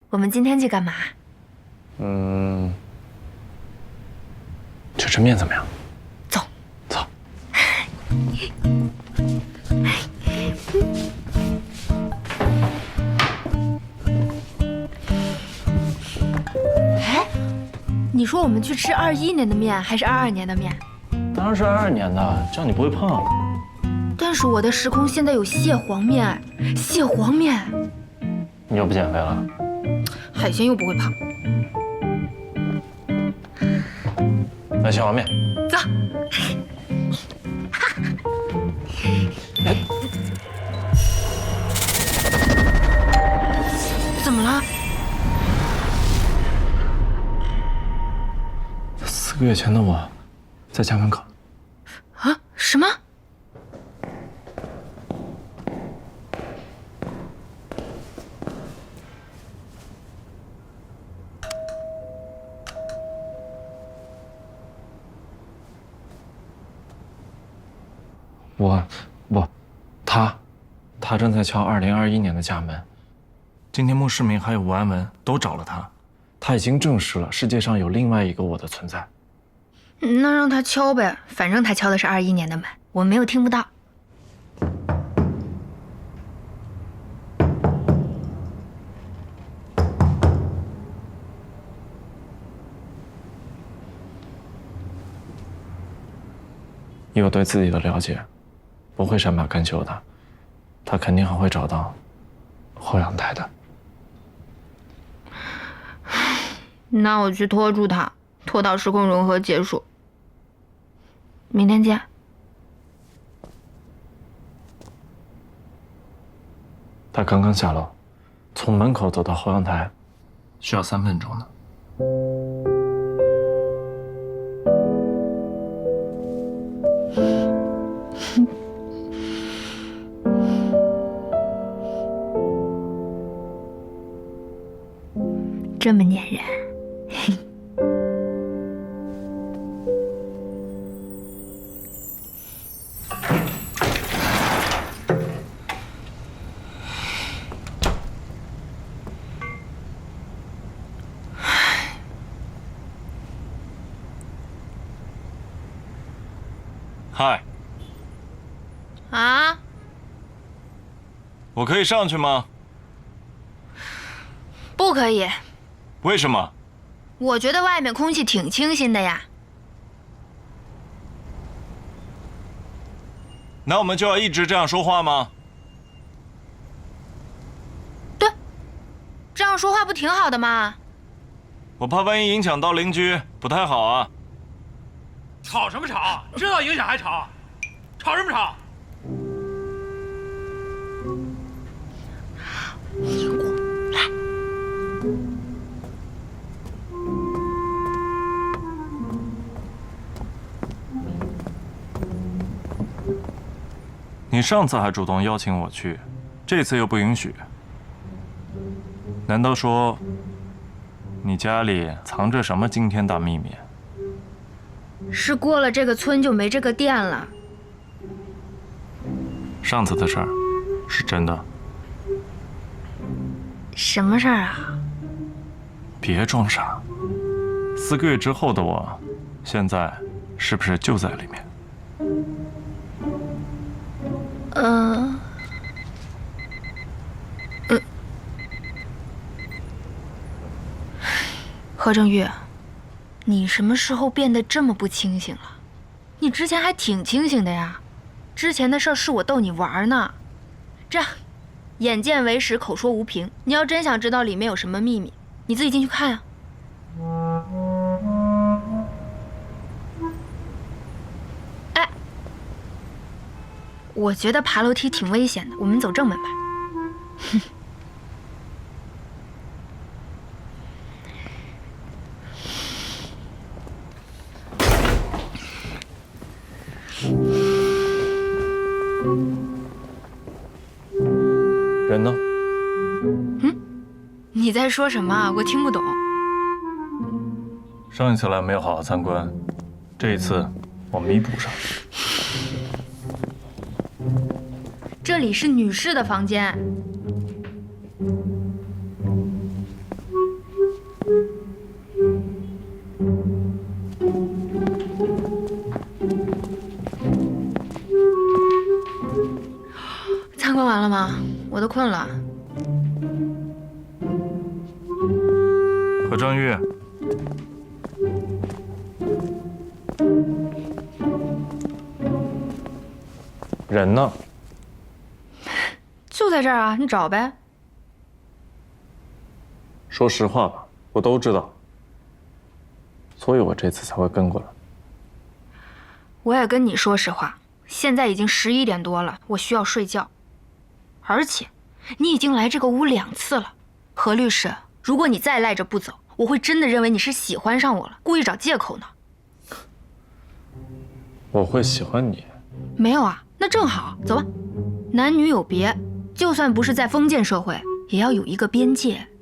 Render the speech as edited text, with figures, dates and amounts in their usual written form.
我们今天去干嘛？ 去吃面怎么样？ 走， 走。 哎，你说我们去吃21年的面还是22年的面？ 当然是22年的，这样你不会胖。 但是我的时空现在有蟹黄面，蟹黄面， 你又不减肥了？ 海鲜又不会胖。 来蟹黄面。 走。怎么了 ？4个月前的我，在家门口。 啊？什么？ 他正在敲2021年的家门。今天穆世明还有吴安文都找了他，他已经证实了世界上有另外一个我的存在。 那让他敲呗，反正他敲的是21年的门，我没有听不到。 以我对自己的了解，不会善罢甘休的，他肯定还会找到后阳台的。 那我去拖住他，拖到时空融合结束。明天见。 他刚刚下楼，从门口走到后阳台，需要3分钟呢。 这么粘人。 嗨。 啊？ 我可以上去吗？ 不可以。 为什么？ 我觉得外面空气挺清新的呀。 那我们就要一直这样说话吗？ 对，这样说话不挺好的吗？ 我怕万一影响到邻居，不太好啊。 吵什么吵？知道影响还吵？吵什么吵？ 来。 你上次还主动邀请我去，这次又不允许。难道说你家里藏着什么惊天大秘密？ 是过了这个村就没这个店了。 上次的事儿是真的。 什么事儿啊？ 别装傻。4个月之后的我，现在是不是就在里面？ 何正玉，你什么时候变得这么不清醒了？你之前还挺清醒的呀。之前的事儿是我逗你玩呢。这样，眼见为实，口说无凭。你要真想知道里面有什么秘密，你自己进去看啊。哎，我觉得爬楼梯挺危险的，我们走正门吧。 人呢？ 你在说什么啊？我听不懂。 上一次来没有好好参观，这一次我弥补上。 这里是女士的房间。 困了。 何正玉， 人呢？ 就在这儿啊，你找呗。 说实话吧，我都知道，所以我这次才会跟过来。 我也跟你说实话，现在已经11点多了，我需要睡觉。而且，你已经来这个屋2次了，何律师，如果你再赖着不走，我会真的认为你是喜欢上我了，故意找借口呢。 我会喜欢你？ 没有啊，那正好，走吧。男女有别，就算不是在封建社会，也要有一个边界。